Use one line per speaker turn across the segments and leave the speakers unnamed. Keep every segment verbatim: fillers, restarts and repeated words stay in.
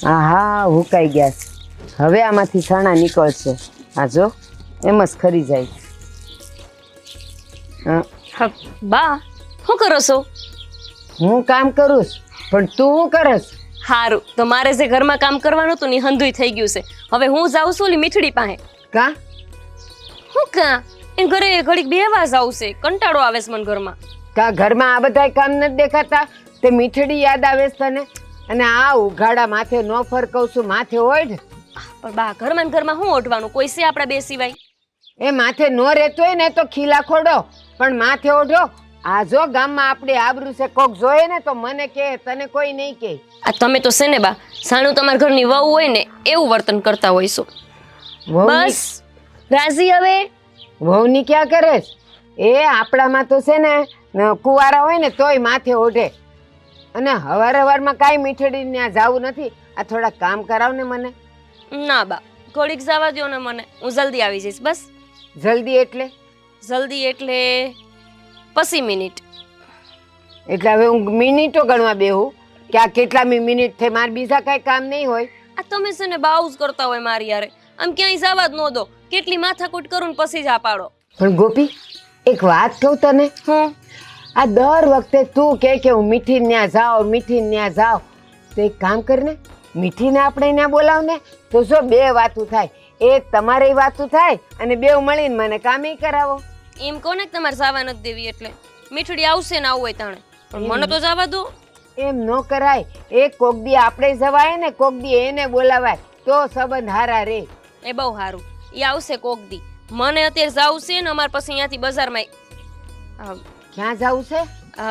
હા હા હુકાઈ ગયા છે. હવે આમાંથી છાણા નીકળશે. આ જો એમ જ ખરી જાય. હા,
હા, બા શું કરો છો?
હું કામ કરું છું, પણ તું શું કરસ?
હારું, તો મારે જે ઘરમાં કામ કરવાનું હતું ને એ હંધુય થઈ ગયું છે. હવે હું જાઉં છું ઓલી મીઠડી પાસે.
કા
હું કા એ ઘરે ઘડીક બેહવા જાઉં છે. કંટાળો આવે છે મને ઘરમાં.
કા ઘરમાં આ બધા કામ નથી દેખાતા? તે મીઠડી યાદ આવે છે તને? અને આ ઉઘાડા માથે ન ફરકવ છું, માથે ઓઢ.
પણ બા ઘરમાં ને ઘરમાં શું ઓઢવાનું? કોઈ છે આપણા બે સિવાય?
એ માથે ન રહેતો હોય ને તો ખીલા ખોડો, પણ માથે ઓઢો. આ જો ગામમાં આપણે આબરૂ છે, કોક જોયે ને તો મને કે, તને કોઈ નહીં કે.
આ તમે તો છે ને બા, સાણું તમારા ઘરની વહુ હોય ને એવું વર્તન કરતા હોય છો.
વહુની
બસ રાજી હવે.
વહુની ક્યાં કરે છે? એ આપણામાં તો છે ને કુંવારા હોય ને તોય માથે ઓઢે. અને હવાર હવારમાં કાંઈ મીઠડી ત્યાં જાવું નથી. આ થોડા કામ કરાવ ને મને.
ના બા, ઘડીક જવા દો ને મને, હું જલ્દી આવી જઈશ. બસ
જલ્દી એટલે?
જલ્દી એટલે પચીસ મિનિટ.
એટલે હવે હું મિનિટો ગણવા બેહું કે આ કેટલામી મિનિટ થઈ? મારે બીજા કાંઈ કામ નહીં હોય?
આ તમે છે ને બાઉઝ કરતા હોય મારી યારે. આમ ક્યાંય જવા જ ન દો. કેટલી માથાકૂટ કરું ને પછી જ આ પાડો.
પણ ગોપી, એક વાત કહું તને.
હું
આ દર વખતે તું કે કે હું મીઠી ત્યાં જાઉં, મીઠી ત્યાં જાઉં. તો એક કામ કરને, મીઠીને આપણે ત્યાં બોલાવ ને, તો શું બે વાતું થાય. એક તમારે વાતું થાય અને બેવ મળીને મને કામે કરાવો.
એમ કોને કે તમારે જવા નથી દેવી એટલે? મીઠડી આવશે ને આવું હોય તાણે, પણ મને તો જવા દો.
એમ ન કરાય. એક કોક દી આપણે જવાય ને કોક દી એને બોલાવાય તો સંબંધ હારા રે.
એ બહુ સારું, એ આવશે કોક દી. મને અત્યારે જાવું છે ને અમારે પછી અહીંયાથી બજારમાં
ક્યાં જાવું છે?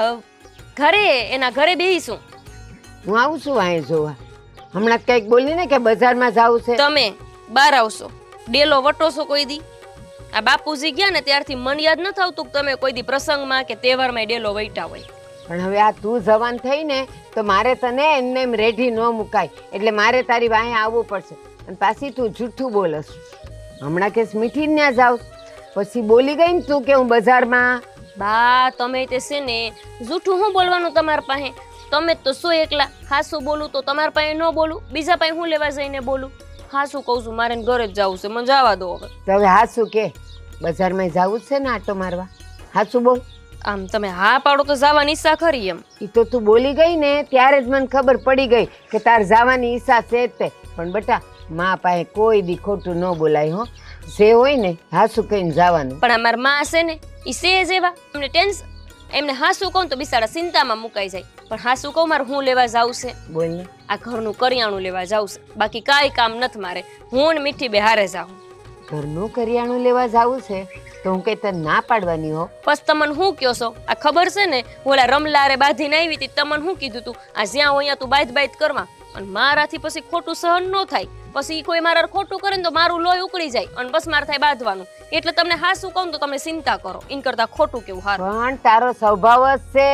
ઘરે, એના ઘરે બેહીશું.
હું આવું છું વાંહે જોવા. હમણાં કંઈક બોલી ને કે બજારમાં જાવું છે.
તમે બહાર આવશો, ડેલો વટો છો કોઈ દી? આ બાપુજી ગયા ને ત્યારથી મન યાદ નથી આવતું કે તમે કોઈ દી પ્રસંગમાં કે તહેવારમાં ડેલો વૈટા હોય.
પણ હવે આ તું જવાન થઈ ને તો મારે તને એમને એમ રેઢી ન મુકાય. એટલે મારે તારી વાંહે આવવું પડશે. અને પાછી તું જૂઠું બોલસ. હમણાં કેસ મીઠી ત્યાં જાવ, પછી બોલી ગઈ ને તું કે હું બજારમાં.
બા તમે તે છે ને જૂઠું શું બોલવાનું તમારા પાસે? તમે તો સો એકલા. હાસું બોલું તો તમારા પાસે ન બોલું, બીજા પાસે હું લેવા જઈને બોલું? હાસું કહું છું, મારે ઘરે જ જવું છે, મને જવા દો હવે.
તો હવે હાસું કે બજારમાં જવું જ છે ને આટો મારવા? હાસું બોલ.
આમ તમે હા પાડો તો જવાની ઈચ્છા ખરી એમ.
એ તો તું બોલી ગઈ ને ત્યારે જ મને ખબર પડી ગઈ કે તાર જવાની ઈચ્છા છે જ તે. પણ બેટા, મા પાસે કોઈ દી ખોટું ન બોલાય હો. જે હોય ને હાસું કહીને જવાનું.
પણ અમારા માં છે ને એ છે જ એવા, એમને ટેન્શન. એમને હાસું કહું તો બિચારા ચિંતામાં મુકાઈ જાય. પણ હાસું કહું મારે હું લેવા જાવું છે?
બોલ ને.
આ ઘરનું કરિયાણું લેવા જાવું છે, બાકી કાંઈ કામ નથી મારે. હું ને મીઠી બે હારે જાઉં.
ઘરનું કરિયાણું લેવા જાવું છે તો હું કઈ તને ના પાડવાની હો.
બસ તમને શું કહો છો? આ ખબર છે ને હું ઓલા રમલારે બાંધીને આવી હતી, તમને શું કીધું તું? આ જ્યાં હોય ત્યાં તું બાઈત બાઈત કરવા. અને મારાથી પછી ખોટું સહન ન થાય. પછી કોઈ મારા ખોટું કરે ને તો મારું લોહી ઉકળી જાય અને બસ મારે થાય બાંધવાનું. એટલે તમને હાસું કહું તો તમે ચિંતા કરો. ઇન કરતા ખોટું કેવું હારું.
પણ તારો સ્વભાવ જ છે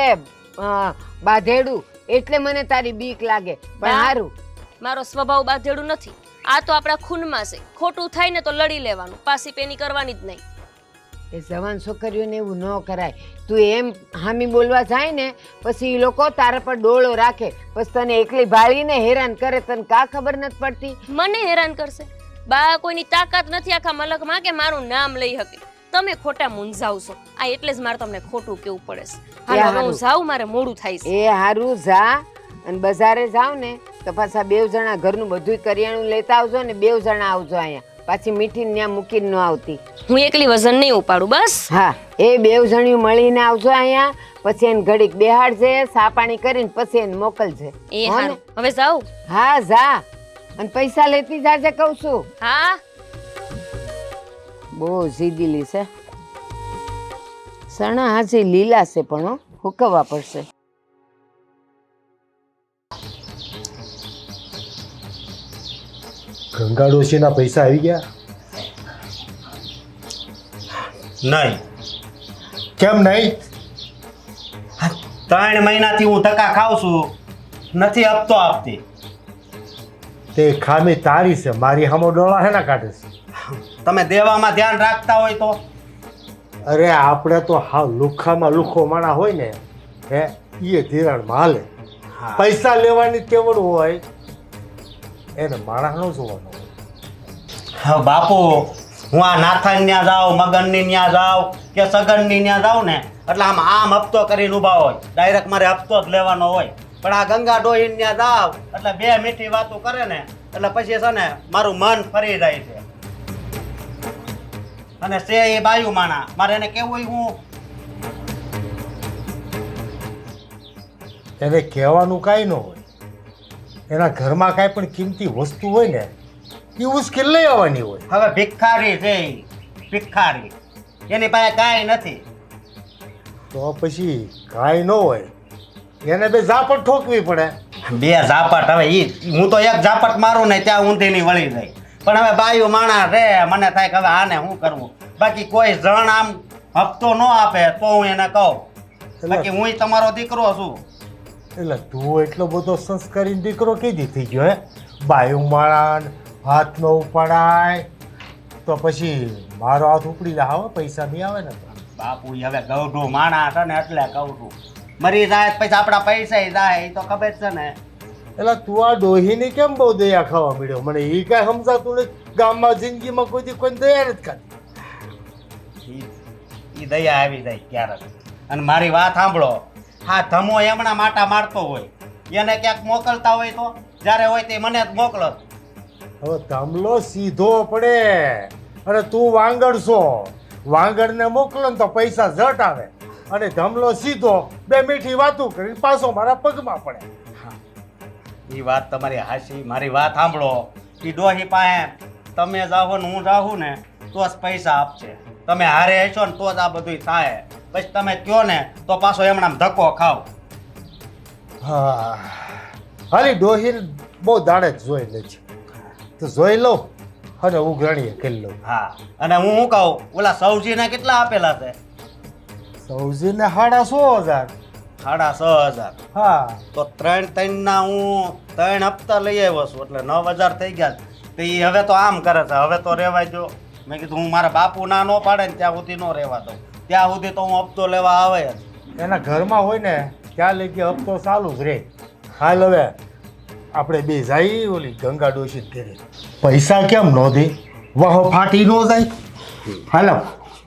બાધેડું, એટલે મને તારી બીક લાગે. પણ હારું,
મારો સ્વભાવ બાંધેડું નથી. આ તો આપણા ખૂનમાં છે. ખોટું થાય ને તો લડી લેવાનું, પાછી પેની કરવાની જ નહીં.
એ જવાન છોકરીઓને એવું ન કરાય. તું એમ હામી બોલવા જાય ને પછી એ લોકો તારા પર ડોળો રાખે, પછી તને એકલી ભાળીને હેરાન કરે. તને કા ખબર નથી પડતી?
મને હેરાન કરશે? બા કોઈની તાકાત નથી આખા મલકમાં કે મારું નામ લઈ શકે. તમે ખોટા મૂંઝાવ છો. આ એટલે જ મારે તમને ખોટું કેવું પડે છે. હાલો હવે હું જાઉં, મારે મોડું થાય છે.
એ હારું જા. અને બજારે જાવ ને તો પાછા બેવ જણા ઘરનું બધું કરિયાણું લેતા આવજો ને બેવ જણા આવજો અહીંયા. પાછી મીઠી ત્યાં મૂકીને ન આવતી.
હું એકલી વજન નહીં ઉપાડું. બસ
હા, એ બેવ જણિયું મળીને આવજો અહીંયા. પછી એને ઘડીક બેહાડજે, સા પાણી કરીને પછી એને મોકલજે.
એ હારું, હવે જાઉં.
હા જા. અને પૈસા લેતી જાજે કહું છું.
હા.
બહુ જીદીલી છે. સણા હાજી લીલા છે પણ હો, હુકવવા પડશે.
ગંગા ડોશીના પૈસા આવી ગયા?
નહીં.
કેમ નહીં?
ત્રણ મહિનાથી હું ધક્કા ખાઉં છું, નથી આપતો આપતી.
તે ખામી તારી છે, મારી હામો ડોળા હેના કાઢે છે?
તમે દેવામાં ધ્યાન રાખતા હોય તો?
અરે આપણે તો હા લુખામાં લુખો માણા હોય ને હે એ ધિરાણમાં હાલે. પૈસા લેવાની તેવડ હોય એને માણસ નો જોવાનો હોય.
હા બાપુ, હું આ નાથન ન્યા જાઉં, મગનની ન્યા જાઉં કે સગનની ન્યા જાઉં ને એટલે આમ આમ હપ્તો કરીને ઊભા હોય, ડાયરેક્ટ મારે હપ્તો જ લેવાનો હોય. પણ આ ગંગા ડોહીન ન્યા જાવ એટલે બે મીઠી વાતો કરે ને એટલે પછી છે ને મારું મન ફરી જાય છે. અને છે એ બાયુ માણા, મારે એને કેવું હું
એને કહેવાનું કાંઈ ન હોય. એના ઘરમાં કાંઈ પણ કિંમતી વસ્તુ હોય ને એ ઉશ્કેલ લઈ આવવાની હોય.
હવે ભિખારી છે ઈ, ભિખારી, એની પાસે કાંઈ નથી.
તો પછી કાંઈ ન હોય એને બે ઝાપટ ઠોકવી પડે.
બે ઝાપટ, હવે ઈ હું તો એક ઝાપટ મારું ને ત્યાં ઊંધીની વળી જાય. પણ હવે બાયું માણા રે, મને થાય કે હવે આને શું કરવું. બાકી કોઈ જણ આમ હપ્તો ન આપે તો હું એને કહું, બાકી હું તમારો દીકરો છું.
એટલે તું એટલો બધો સંસ્કારી દીકરો કીધી થઈ ગયો હે? બાયું માળાન હાથ ન ઉપાડાય તો પછી મારો હાથ ઉપડી જાય. હવે પૈસા નહીં આવે ને તો.
બાપુ ઈ હવે ગૌઢું માણા છે ને એટલે કહું છું. મરી જાય પછી આપણા પૈસા જાય એ તો ખબર છે ને.
એટલે તું આ ડોહીની કેમ બહુ દયા ખાવા મળ્યો? મને એ કાંઈ સમજાતું નથી. ગામમાં જિંદગીમાં કોઈ દી કોઈને દયા નથી ખાધી.
ઈ ઈ દયા આવી જાય ક્યારેક. અને મારી વાત સાંભળો, હા ધમો એમના માટા મારતો હોય, એને ક્યાંક મોકલતા હોય તો જ્યારે હોય તે મને જ મોકલો.
હવે ધમલો સીધો પડે અને તું વાંગડ છો. વાંગડને મોકલો ને તો પૈસા ઝટ આવે અને ધમલો સીધો બે મીઠી વાતું કરીને પાછો મારા પગમાં પડે.
એ વાત તમારી હાસી. મારી વાત સાંભળો, એ ડોહી પાસે તમે જાઓ ને હું જાઉં ને તો જ પૈસા આપશે. તમે હારે હશો ને તો જ આ બધું થાય. પછી તમે કયો ને તો પાછો એમણામ ધક્કો ખાવ.
હા, હાલી ડોહી બહુ દાડે જ જોઈ લે છે તો જોઈ લઉં અને ઉઘરાણીએ કરી લઉં.
હા, અને હું શું કહું, ઓલા સૌજીને કેટલા આપેલા છે?
સૌજીને સાડા સો હજાર.
સાડા છ હજાર.
હા,
તો ત્રણ ત્રણના હું ત્રણ હપ્તા લઈ આવ્યો છું એટલે નવ હજાર થઈ ગયા. તો એ હવે તો આમ કરે છે, હવે તો રહેવાય જો. મેં કીધું હું મારા બાપુ ના ન પાડે ને ત્યાં સુધી ન રહેવા દઉં. ત્યાં સુધી તો હું હપ્તો લેવા આવે જ.
એના ઘરમાં હોય ને ત્યાં લઈ ગયા હપ્તો ચાલુ જ રહે. હાલ હવે આપણે બે જઈ ઓલી ગંગા ડોશી ઘરે. પૈસા કેમ ન દે? વાહો ફાટી ન જાય. હાલો.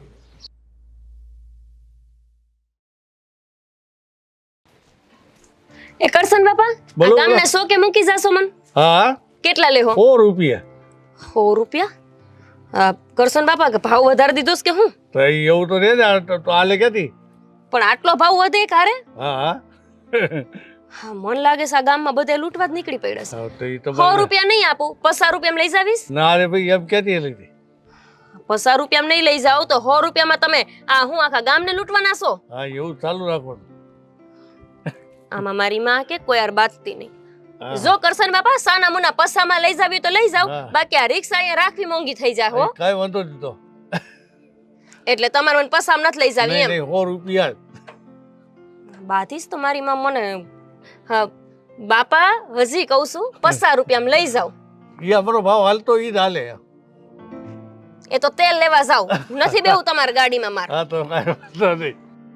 એ કરશન બાપા,
બોલો,
આ ગામને
બોલો.
સો કે મૂકી જાશો મન?
હા,
કેટલા લેહો?
સો રૂપિયા.
સો રૂપિયા? આ કરશન બાપા કે ભાવ વધારી દીધો છે કે હું?
તો ઈ એવું તો રે ને, આ તો તો આલે ક્યાંથી?
પણ આટલો ભાવ વધે કારે?
હા હા
હા, મન લાગે છે આ ગામમાં બધે લૂંટવા જ નીકળી પડ્યા છે.
હા, તો ઈ તો
સો રૂપિયા નહીં આપું, પચાસ રૂપિયા લઈ જાવીશ.
ના રે ભાઈ, એમ ક્યાંથી લીધી?
પચાસ રૂપિયા નહીં લઈ જાઓ તો સો રૂપિયામાં તમે આ હું આખા ગામને લૂંટવાના છો?
હા, એવું ચાલુ રાખવાનું.
આમાં મારી માં કે કોઈ યાર બાતતી નહીં.
હા.
જો કરશન બાપા સાના મુના પસામાં લઈ જાવી તો લઈ જાવ,
હા.
બાકી આ રિક્ષા અહીંયા રાખવી મોંઘી થઈ જાય હો.
કાંઈ વાંધો નહીં તો.
એટલે તમારે મને પસામ નથી લઈ જાવી
નહીં
એમ.
નહીં, સો રૂપિયા જ.
બાધીશ તો મારી માં મને હા બાપા હજી કહું છું પચાસ રૂપિયામાં લઈ જાવ.
ઈ અમારો ભાવ હાલતો ઈ જ હાલે.
એ તો તેલ લેવા જાવ, નથી બેવું તમારી ગાડીમાં માર.
હા, તો કાંઈ વાંધો નહીં.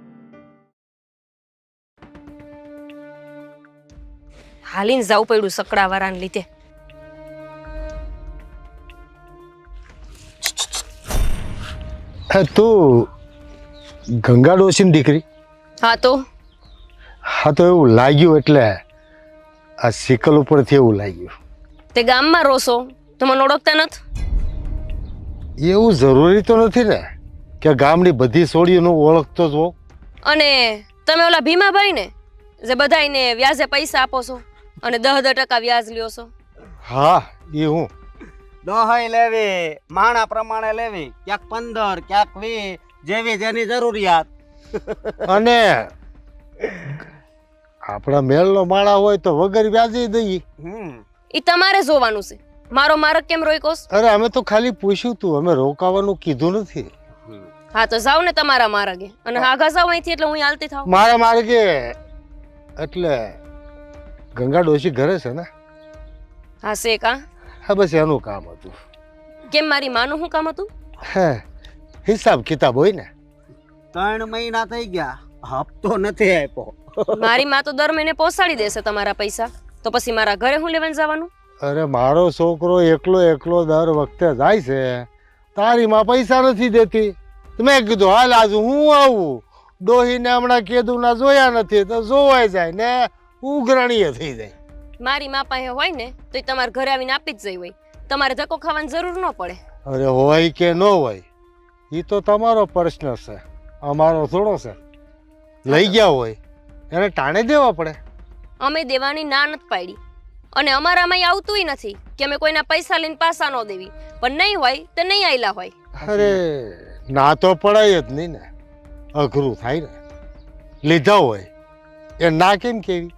હાલીને જાવું પડ્યું સકડાવાળાને લીધે.
તું ગંગા ડોશીની દીકરી?
હા તો
હા, તો એવું લાગ્યું એટલે આ સિકલ ઉપરથી એવું લાગ્યું.
તે ગામમાં રોશો તો મને ઓળખતા નથી?
એવું જરૂરી તો નથી ને કે ગામની બધી સોડીઓનો ઓળખતો જ હોઉં.
અને તમે ઓલા ભીમાભાઈ ને જે બધાયને વ્યાજે પૈસા આપો છો અને દહ દહ ટકા વ્યાજ લ્યો છો?
હા, એ હું.
દોહાઈ લેવી, માણા પ્રમાણે લેવી, ક્યાંક પંદર ક્યાંક વીસ, જેવી જેની જરૂરિયાત.
અને આપણા મેળનો માળા હોય તો વગર વ્યાજે દઈએ.
હમ
ઈ તમારે જોવાનું છે. મારો મારક કેમ રોઈકોસ?
અરે અમે તો ખાલી પૂછ્યું તું, અમે રોકાવાનું કીધું નથી.
હા તો જાવ ને તમારા માર્ગે અને આગા જાવ અહીંથી એટલે હું અહીં હાલતી થાવ.
મારા માર્ગે એટલે ગંગા ડોશી ઘરે છે ને?
હા છે કા?
હા, બસ એનું કામ હતું.
કેમ મારી માનું શું કામ હતું?
હે, હિસાબ કિતાબ હોય ને.
ત્રણ મહિના થઈ ગયા, હપ્તો નથી આપ્યો.
મારી માં તો દર મહિને પહોંચાડી દેશે તમારા પૈસા, તો પછી મારા ઘરે હું લેવાનું જવાનું?
અરે મારો છોકરો એકલો એકલો દર વખતે જાય છે, તારી માં પૈસા નથી દેતી. તો મેં કીધું હાલ આજ હું આવું. ડોહીને હમણાં કીધું ના જોયા નથી તો જોવાય જાય ને ઉઘરાણીએ થઈ જાય.
મારી મા પાસે હોય ને તો એ તમારા ઘરે આવીને આપી જ જઈ હોય, તમારે ધક્કો ખાવાની જરૂર ન પડે.
અરે હોય કે ન હોય એ તો તમારો પ્રશ્ન છે, અમારો થોડો છે. લઈ ગયા હોય એને ટાણે દેવા પડે.
અમે દેવાની ના નથી પાડી અને અમારામાં આવતુંય નથી કે અમે કોઈના પૈસા લઈને પાસા ન દેવી, પણ નહીં હોય તો નહીં આયલા હોય.
અરે ના તો પડાય જ નહીં ને, અઘરું થાય ને. લીધા હોય એ ના કેમ કેવી?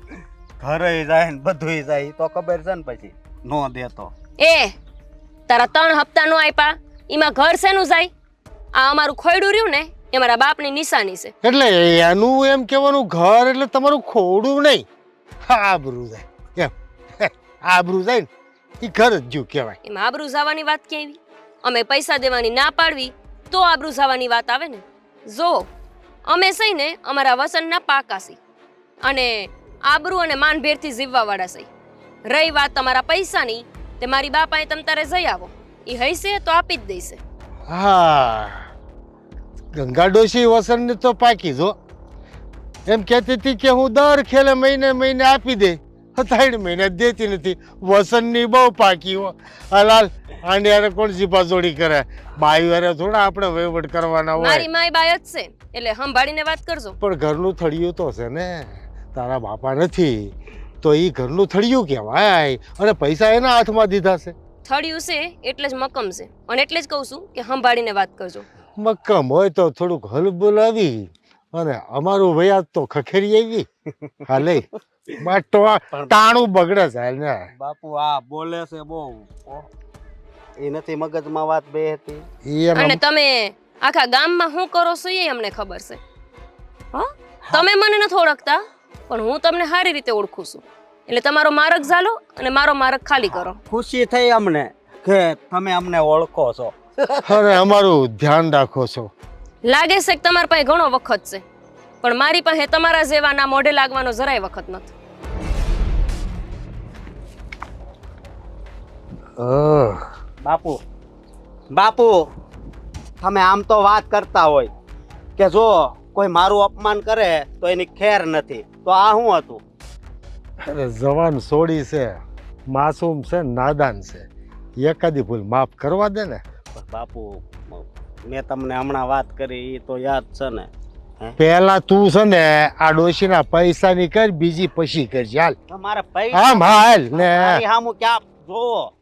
ઘરે જાય ને બધું જાય ઈ તો ખબર છે ને, પછી નો દેતો.
એ તારા ત્રણ હપ્તા નો આપ્યા, એમાં ઘર શેનું જાય? આ અમારું ખોયડું રહ્યું ને એ મારા બાપની નિશાની છે.
એટલે એનું એમ કહેવાનું ઘર એટલે તમારું ખોડું નહીં, આબરૂ જાય એમ. આબરૂ જાય ને એ ઘર જ જ્યું કહેવાય.
એમાં આબરૂ જવાની વાત કેવી? અમે પૈસા દેવાની ના પાડવી તો આબરૂ જવાની વાત આવે ને. જો અમે સહી ને અમારા વસનના પાકા સી અને આબરૂ અને માનભેરથી જીવવા વાળા સહી. રહી વાત તમારા પૈસાની, તે મારી બાપાએ તમ તારે જઈ આવો, એ હૈસે તો આપી જ દઈશે.
હા, ગંગા ડોશી વસંતને તો પાકી જો એમ કહેતી હતી કે હું દર ખેલે મહિને મહિને આપી દે, ત્રણ મહિને દેતી નથી. વસંતની બહુ પાકી હો. હલાલ આને યાર કોણ જીપા જોડી કરે? બાઈ વારે થોડા આપણે વહીવટ કરવાના હોય.
મારી માય બાય જ છે એટલે સંભાળીને વાત કરજો.
પણ ઘરનું થળિયું તો છે ને, તારા બાપા નથી તો એ ઘરનું થળિયું કહેવાય અને પૈસા એના હાથમાં દીધા છે.
થળિયું છે એટલે જ મકમ છે અને એટલે જ કહું છું કે સંભાળીને વાત કરજો.
મક્કમ હોય તો થોડુંક હલબુલ આવી અને અમારું વયાજ તો ખખેરી આવી. હાલે બાટો ટાણું બગડે છે ને.
બાપુ આ બોલે છે બહુ, એ નથી મગજમાં વાત બે હતી.
ઈ એમ
અને તમે આખા ગામમાં શું કરો છો એ અમને ખબર છે. હા, તમે મને નથી ઓળખતા પણ હું તમને સારી રીતે ઓળખું છું, એટલે તમારો માર્ગ ઝાલો અને મારો માર્ગ ખાલી કરો.
ખુશી થઈ અમને કે તમે અમને ઓળખો છો.
અરે અમારું ધ્યાન રાખો છો.
લાગે છે કે તમારા પાસે ઘણો વખત છે, પણ મારી પાસે તમારા જેવાના મોઢે લાગવાનો જરાય વખત નથી.
અહ,
બાપુ બાપુ તમે આમ તો વાત કરતા હોય કે જો કોઈ મારું અપમાન કરે તો એની ખેર નથી, તો આ શું હતું?
અરે જવાન સોડી છે, માસૂમ છે, નાદાન છે, એકાદી ભૂલ માફ કરવા દે ને.
પણ બાપુ મેં તમને હમણાં વાત કરી એ તો યાદ છે ને?
પેલા તું છે ને આ ડોશીના પૈસાની કર, બીજી પછી કરજે. હાલ
તમારે પૈસા
આમ હાલ ને.
મારી સામું ક્યાં જોવો?